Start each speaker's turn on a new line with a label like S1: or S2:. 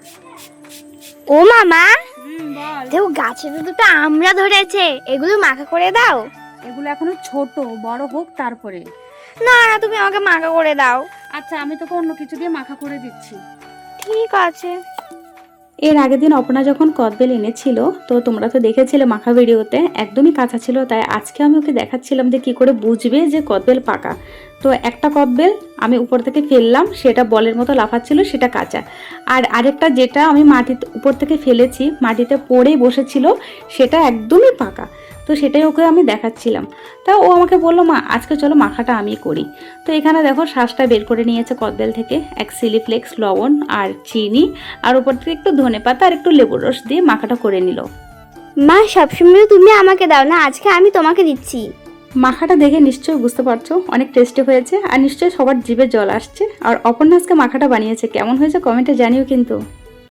S1: ও মামা,
S2: বল।
S1: দেখো গাছে তো দুটো আমরা ধরেছে, এগুলো মাখা করে দাও।
S2: এগুলো এখনো ছোট, বড় হোক তারপরে।
S1: না না, তুমি আমাকে মাখা করে দাও।
S2: আচ্ছা, আমি তোকে অন্য কিছু দিয়ে মাখা করে দিচ্ছি।
S1: ঠিক আছে।
S3: এর আগের দিন অপনা যখন কদবেল এনেছিল, তো তোমরা তো দেখেছিলে মাখা ভিডিওতে, একদমই কাঁচা ছিল। তাই আজকে আমি ওকে দেখাচ্ছিলাম যে কি করে বুঝবে যে কদবেল পাকা। তো একটা কদবেল আমি উপর থেকে ফেললাম, সেটা বলের মতো লাফাচ্ছিল, সেটা কাঁচা। আর আরেকটা যেটা আমি মাটিতে উপর থেকে ফেলেছি, মাটিতে পড়েই বসেছিল, সেটা একদমই পাকা। তো সেটাই ওকে আমি দেখাচ্ছিলাম। তা ও আমাকে বললো, মা আজকে চলো মাখাটা আমি করি। তো এখানে দেখো শ্বাসটা বের করে নিয়েছে কদবেল থেকে, এক চিলি ফ্লেক্স, লবণ আর চিনি, আর উপর থেকে একটু ধনেপাতা আর একটু লেবুর রস দিয়ে মাখাটা করে নিল।
S1: মা, সবসময় তুমি আমাকে দাও না, আজকে আমি তোমাকে দিচ্ছি।
S3: মাখাটা দেখে নিশ্চয়ই বুঝতে পারছো অনেক টেস্টি হয়েছে, আর নিশ্চয়ই সবার জিভে জল আসছে। আর অপর্ণা আজকে মাখাটা বানিয়েছে, কেমন হয়েছে কমেন্টে জানিও কিন্তু।